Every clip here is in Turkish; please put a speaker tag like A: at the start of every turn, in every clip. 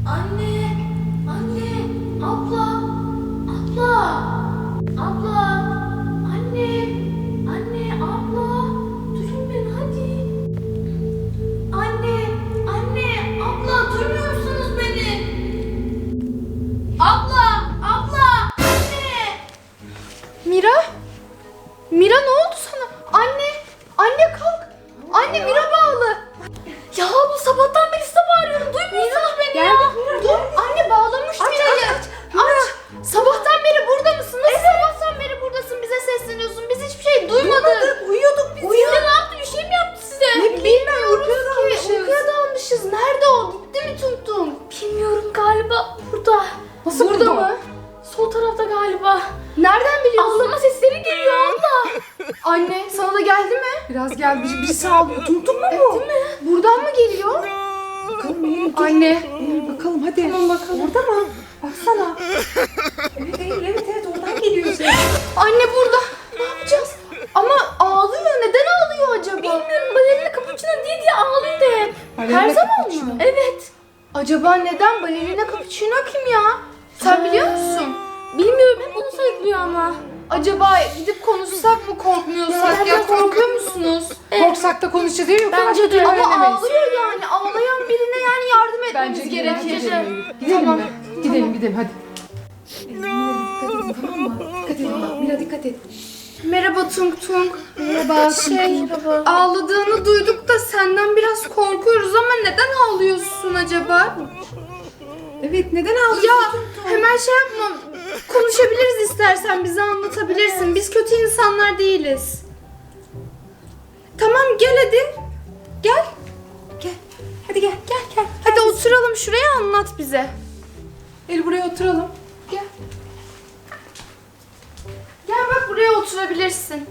A: Anne, anne, abla, abla, abla, anne, anne, abla, durun beni hadi. Anne, anne, abla, duymuyor musunuz beni? Abla, abla, anne.
B: Mira? Mira ne oldu sana? Anne, anne kalk. Anne Mira bağlı. Ya bu sabahtan beri size bağırıyorum. Duymuyorsunuz beni ya. Dur anne bağlamış Mira'yı. Aç. Sabahtan beri burada mısın? Nasıl sabahtan beri buradasın? Bize sesleniyorsun. Biz hiçbir şey duymadık. Uyuyorduk biz ya. Ne yaptı? Bir şey mi yaptı size? Ne bilmiyoruz ki. Uykuya dalmışız. Nerede o? Gitti mi Tung Tung? Bilmiyorum galiba burada. Nasıl burada mı? Sol tarafta galiba. Nereden biliyorsun? Ağlama sesleri geliyor abla. Anne sana da geldi mi?
C: Biraz geldi. Birisi ağlıyor. Tung Tung mu bu?
B: Değil mi? Buradan mı geliyor?
C: Bakalım Eylül.
B: Anne.
C: Eylül bakalım hadi.
B: Tamam bakalım.
C: Orada mı? Baksana. Evet Eylül evet oradan geliyor ses.
B: Anne burada. Ne yapacağız? Ama ağlıyor. Neden ağlıyor acaba? Bilmiyorum. Balerina Capuchino diye ağlıyor hep. Her zaman mı? Evet. Acaba neden Balerina Capuchino kim ya? Sen biliyor musun? Bilmiyorum. Hep onu söylüyor ama. Acaba gidip konuşsak mı korkmuyorsak ya korkuyor musunuz?
C: Korksak da konuşacağız değil mi?
B: Bence de. Ama
C: öğrenemeyiz.
B: ağlıyor yani. Ağlayan birine yani yardım etmemiz
C: Bence
B: gerekir.
C: Gidelim
B: Tamam.
C: mi? Gidelim hadi. Mira dikkat edin tamam mı? Dikkat edin bak Mira dikkat et.
B: Merhaba Tung Tung. Merhaba. Ağladığını duyduk da senden biraz korkuyoruz ama neden ağlıyorsun acaba?
C: Evet neden ağlıyorsun?
B: Ya hemen şey yapma. Konuşabiliriz istersen bize anlatabilirsin. Biz kötü insanlar değiliz. Tamam gel hadi. Gel.
C: Gel. Hadi gel.
B: Hadi oturalım şuraya anlat bize.
C: Eylül buraya oturalım. Gel.
B: Gel bak buraya oturabilirsin.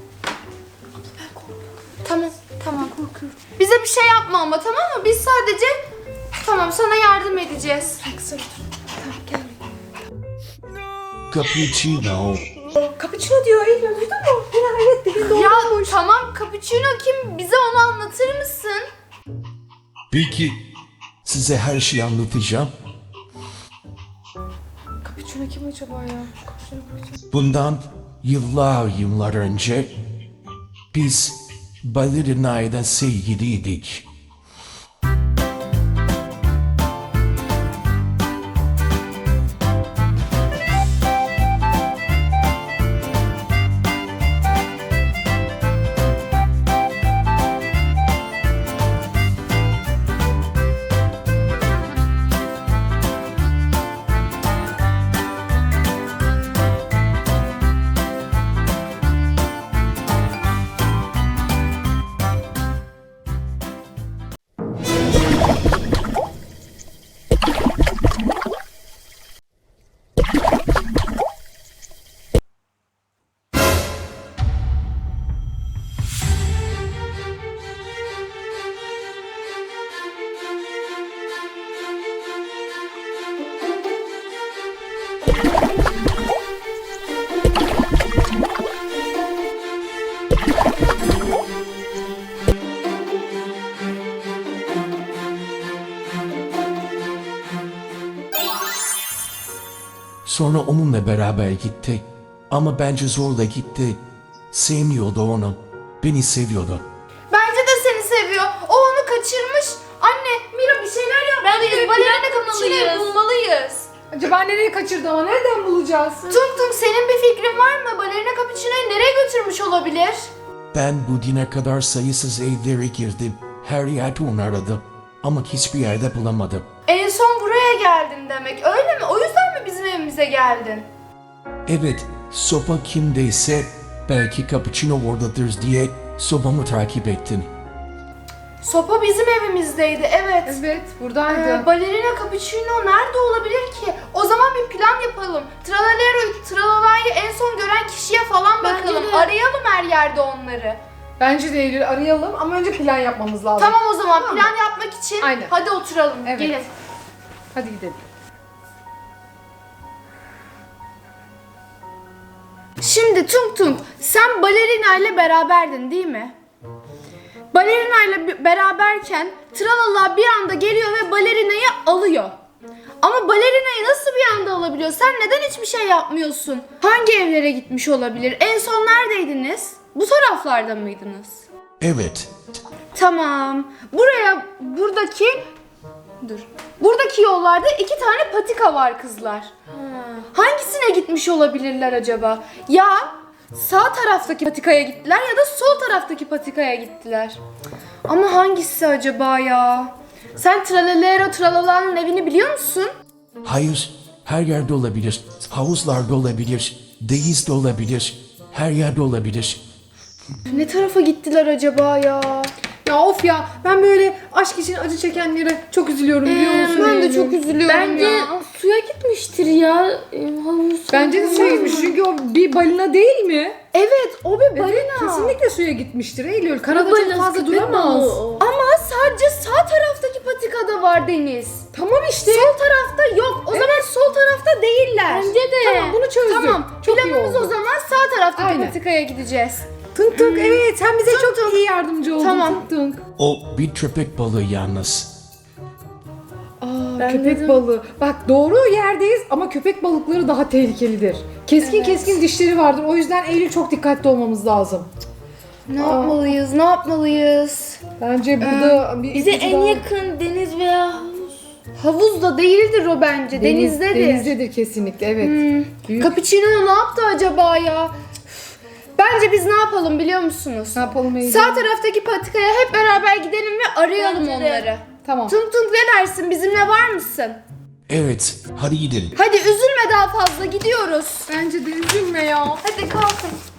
B: Tamam korkuyorum. Bize bir şey yapma ama tamam mı? Biz sadece sana yardım edeceğiz.
C: Tamam gel.
D: Cappuccino.
C: Cappuccino diyor Eylül duydun mu? Mira evet dedi doğru.
B: Ya tamam Capuchino kim? Bize onu anlatır mısın?
D: Peki size her şeyi anlatacağım.
C: Cappuccino kim acaba ya? Cappuccino.
D: Bundan yıllar önce biz balerinayla sevgiliydik. Sonra onunla beraber gitti. Ama bence zorla gitti. Sevmiyordu onu. Beni seviyordu.
B: Bence de seni seviyor. O onu kaçırmış. Anne Mira bir şeyler yapmalıyız. Balerina Capuchino'yu bulmalıyız.
C: Acaba nereye kaçırdı ama nereden bulacağız?
B: Tung Tung senin bir fikrin var mı? Balerina Capuchino'yu nereye götürmüş olabilir?
D: Ben bu dine kadar sayısız evlere girdim. Her yerde onu aradım. Ama hiçbir yerde bulamadım.
B: En son buraya geldin demek. Öyle mi? O yüzden mi bizim evimize geldin?
D: Evet, sopa kimdeyse belki Cappuccino oradadır diye sopamı takip ettim.
B: Sopa bizim evimizdeydi. Evet.
C: Evet buradaydı.
B: Balerina Capuchino nerede olabilir ki? O zaman bir plan yapalım. Tralalayı en son gören kişiye falan bakalım. Arayalım her yerde onları.
C: Bence de Eylül arayalım ama önce plan yapmamız lazım.
B: Tamam o zaman
C: Tamam mı?
B: plan yapmak için
C: Aynen.
B: hadi oturalım.
C: Evet.
B: Gelin.
C: Hadi gidelim.
B: Şimdi Tung Tung sen balerina ile beraberdin değil mi? Balerina ile beraberken Tralala bir anda geliyor ve balerinayı alıyor. Ama Ama balerinayı nasıl bir anda alabiliyor? Sen neden hiçbir şey yapmıyorsun? Hangi evlere gitmiş olabilir? En son neredeydiniz? Bu taraflarda mıydınız?
D: Evet.
B: Tamam. Buradaki yollarda 2 tane patika var kızlar. Hangisine gitmiş olabilirler acaba? Ya sağ taraftaki patikaya gittiler ya da sol taraftaki patikaya gittiler. Ama hangisi acaba ya? Sen Tralalero Tralala'nın evini biliyor musun?
D: Hayır. Her yerde olabilir. Havuzlarda olabilir. Denizde olabilir. Her yerde olabilir.
B: Ne tarafa gittiler acaba ya?
C: Ya of ya, ben böyle aşk için acı çekenlere çok üzülüyorum biliyor musun?
B: Ben de
C: Eylül?
B: çok üzülüyorum
A: Bence
B: ya.
A: suya gitmiştir ya. Havuz.
C: Bence de suya gitmiş çünkü o bir balina değil mi?
B: Evet, o bir balina.
C: Kesinlikle suya gitmiştir Eylül. Karada
A: Balinası,
C: çok fazla
A: köpek
C: duramaz.
A: balığı o.
B: Ama sadece sağ taraftaki patikada var Deniz.
C: Tamam işte.
B: Sol tarafta yok. O zaman sol tarafta değiller.
A: Bence de.
C: Tamam, bunu çözdük.
B: Tamam.
C: Çok iyi
B: Planımız
C: oldu.
B: o zaman sağ taraftaki
C: Aynen.
B: patikaya gideceğiz.
C: Tunk tunk, evet, sen bize çok iyi yardımcı oldun.
B: Tamam.
C: Tunk tunk.
D: O bir köpek balığı yalnız.
C: Köpek
A: dedim.
C: balığı. Bak, doğru yerdeyiz ama köpek balıkları daha tehlikelidir. Keskin keskin dişleri vardır. O yüzden Eylül çok dikkatli olmamız lazım.
B: Ne yapmalıyız? Ne yapmalıyız?
C: Bence burada bir
A: Bize
C: ipucu
A: en
C: daha-
A: yakın deniz veya havuz.
B: Havuz da değildir o bence. Denizdedir.
C: Denizdedir kesinlikle, evet. Büyük-
B: Cappuccino ne yaptı acaba ya? Üf. Bence biz ne yapalım biliyor musunuz?
C: Ne yapalım Eylül?
B: Sağ taraftaki patikaya hep beraber gidelim ve arayalım
A: Bence de.
B: onları.
C: Tamam.
B: Tunk tunk ne dersin? Bizimle var mısın?
D: Evet. Hadi gidelim.
B: Hadi üzülme daha fazla gidiyoruz.
C: Bence de üzülme ya.
B: Hadi kalkın.